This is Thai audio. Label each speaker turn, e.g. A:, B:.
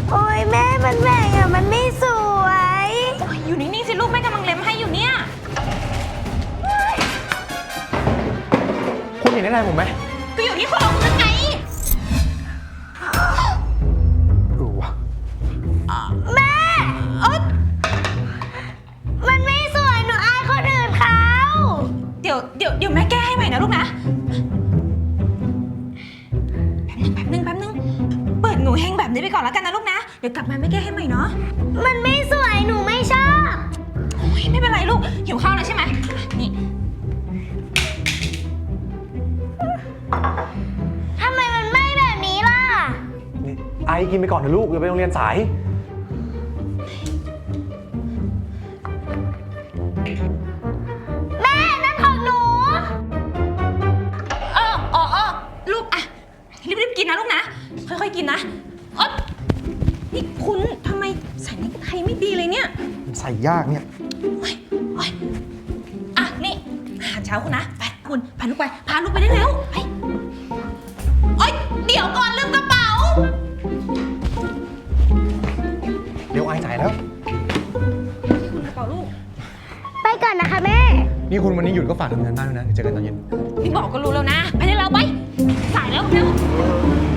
A: โอ้ยแม่มันแหว่งอะมันไม่สวย
B: อยู่นิ่งๆสิลูกแม่กำลังเล็มให้อยู่เนี่ย
C: คุณเห็นได้ไงผมไหม
B: ก็อยู่ที่คอคุณไง
C: ว่ะ
A: แม่มันไม่สวยหนูอายคนอื่นเขา
B: เดี๋ยวแม่แก้ให้ใหม่นะลูกนะแป๊บนึงเปิดหนูเฮงแบบนี้ไปก่อนแล้วกันนะลูกนะเดี๋ยวกลับมาแม่แก้ให้ใหม่เนาะ
A: มันไม่สวยหนูไม่ชอบ
B: โอ้ยไม่เป็นไรลูกหิวข้าวแล้วใช่ไหมนี่
A: ทำไมมันไหม้แบบนี้ล่ะ
C: นี่ไอกินไปก่อนเถอะลูกเดี๋ยวไปโรงเรียนสาย
A: แม่นั่นของหนู
B: ลูกอะรีบกินนะลูกนะค่อยๆกินนะนี่คุณทำไมใส่เนคไทไม่ดีเลยเนี่ย
C: ใส่ยากเนี่ย
B: โอ๊ยนี่อาหารเช้าคุณนะไปคุณพาลูกไปได้แล้วไปเดี๋ยวก่อนลืมกระเป๋า
C: เดี๋ยวไอจ่ายแล้ว
B: กระเป๋าลูก
A: ไปก่อนนะคะแม่
C: นี่คุณวันนี้หยุดก็ฝากทำงานบ้านด้วยนะเดี๋ยวเจอกันตอนเย็น
B: พี่บอกก็รู้แล้วนะไปได้แล้วไปสายแล้วเร็ว